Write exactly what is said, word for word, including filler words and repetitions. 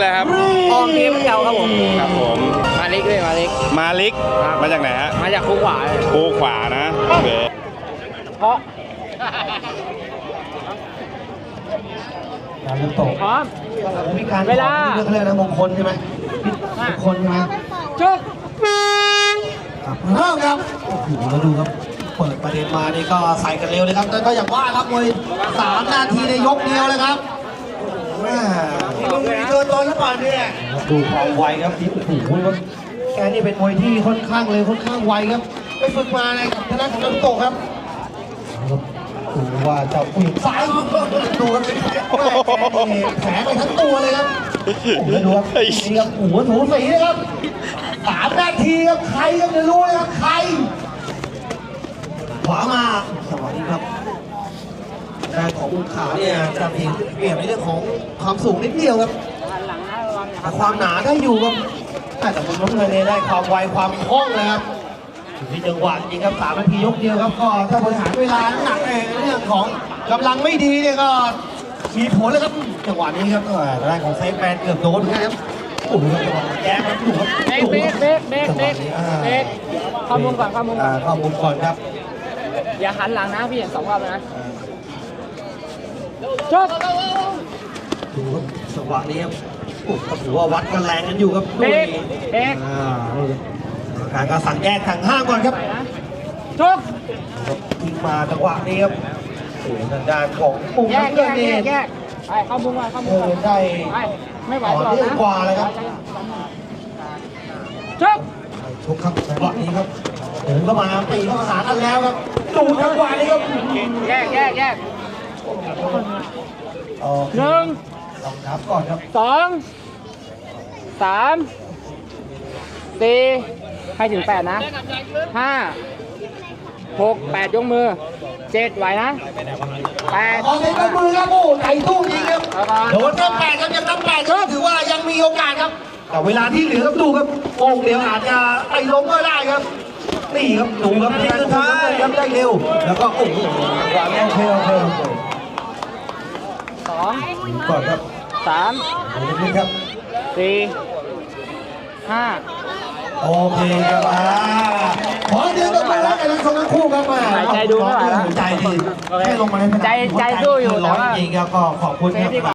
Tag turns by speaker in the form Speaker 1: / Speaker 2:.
Speaker 1: อะไรครับ
Speaker 2: ออกเกมเดียวครับผม
Speaker 1: ครับผม
Speaker 2: มาลิกด้วยมาลิก
Speaker 1: มาลิกมาจากไหนฮะ
Speaker 2: มาจากคูขวา
Speaker 1: คูขวานะโอเค
Speaker 2: เพราะ
Speaker 3: การเริ่มตก
Speaker 2: พร้อม
Speaker 3: มีการเวลาเรื่องอะไรนะมงคลใช่ไหมมงคลใช่ไหม
Speaker 2: จุ๊บ
Speaker 3: เริ่มครับโอ้โหมาดูครับเปิดประเด็นมานี่ก็ใส่กันเร็วเลยครับแต่ก็อย่างว่าครับมวยสามนาทีในยกเดียวเลยครับแม่มึงมีเกินตอนหรือเปล่าเนี่ยดูความไวครับที่โอ้โหแกนี่เป็นมวยที่ค่อนข้างเลยค่อนข้างไวครับไปฝึกมาในกับทางด้านของน้ำโตครับดูว่าจะอุ้ยซ้ายดูครับแผลไปทั้งตัวเลยครับผมดูครับนี่ครับหัวถูสีนะครับสามนาทีครับใครก็จะรู้เลยครับใครขวามาสวัสดีครับแรงของบุญขาเนี่ยจะเปลี่ยนเปลี่ยนในเรื่องของความสูงนิดเดียวครับแต่ความหนาได้อยู่ครับแต่คุณน้องเลยได้ความไวความคล่องเลยครับอยู่ที่จังหวะจริงครับสามนาทียกเดียวครับก็ถ้าบริหารเวลาหนักในเรื่องของกำลังไม่ดีเนี่ยก็มีผลเลยครับจังหวะนี้ครับแรงของเซฟแมนเกือบโดนครับโอ้โหจังหวะแย่ครับดูครับ
Speaker 2: เบรกเบรกเบรกเบรกเบรกเข้ามุมก่อนเข้ามุมก่อน
Speaker 3: เข้ามุมก่อนครับ
Speaker 2: อย่าหันหลังนะพี่เห็นสองรอบนะจุ๊บ
Speaker 3: ดูครับจังหวะนี้ครับโอ้โหถือว่าวัดกันแรงกันอยู่ครับ
Speaker 2: เบรกเบรก
Speaker 3: การการสั่งแยกสั่งห้ามก่อนครับ
Speaker 2: จุ๊บ
Speaker 3: ทิ้งมาจังหวะนี้ครับโอ้ทางด้านของมุม
Speaker 2: แยกแยก
Speaker 3: นี่
Speaker 2: แยกไปเข้ามุมก่อนเข้ามุมก่อน
Speaker 3: ได้
Speaker 2: ไม่ไหว
Speaker 3: ต่อเนื่องกว่าเลยครับ
Speaker 2: จุ๊บ
Speaker 3: ชกครับจังหวะนี้ครับเดินเข้ามาตีเข้ามาหากันแล้วครับดูจังหวะนี้ครับ
Speaker 2: แยกแยกแยกหนึ่ง
Speaker 3: สองครับก่อนครับ
Speaker 2: สองสามสี่ให้ถึงแปดนะห้าหกแปดยกมือเจ็ดไหวนะแปด
Speaker 3: ขอเซ็นมือครับโอ้ใจตู้จริงครับโดนตั้งแปดครับยังตั้งแปดก็ถือว่ายังมีโอกาสครับแต่เวลาที่เหลือครับดูครับโอ่งเดียวอาจจะไปล้มก็ได้ครับนี่ครับดูครับทีสุดท้ายครับได้เร็วแล้วก็โอ้โหวางโอเคโอเคโอเค
Speaker 2: สอง
Speaker 3: ก่อนครับ
Speaker 2: สาม
Speaker 3: นี่ครับ
Speaker 2: สี่ห้า
Speaker 3: โอเคครับอ่าขอเดี๋ยวต้องมาแล้วกันทั้งคู่ครับมา
Speaker 2: ใจดูไม่ไหวแล้ว
Speaker 3: ใจดีแค่ลงมาในสนาม
Speaker 2: ใจใจสู้อยู่
Speaker 3: แต่ว่าจริงๆก็ขอบคุณครับ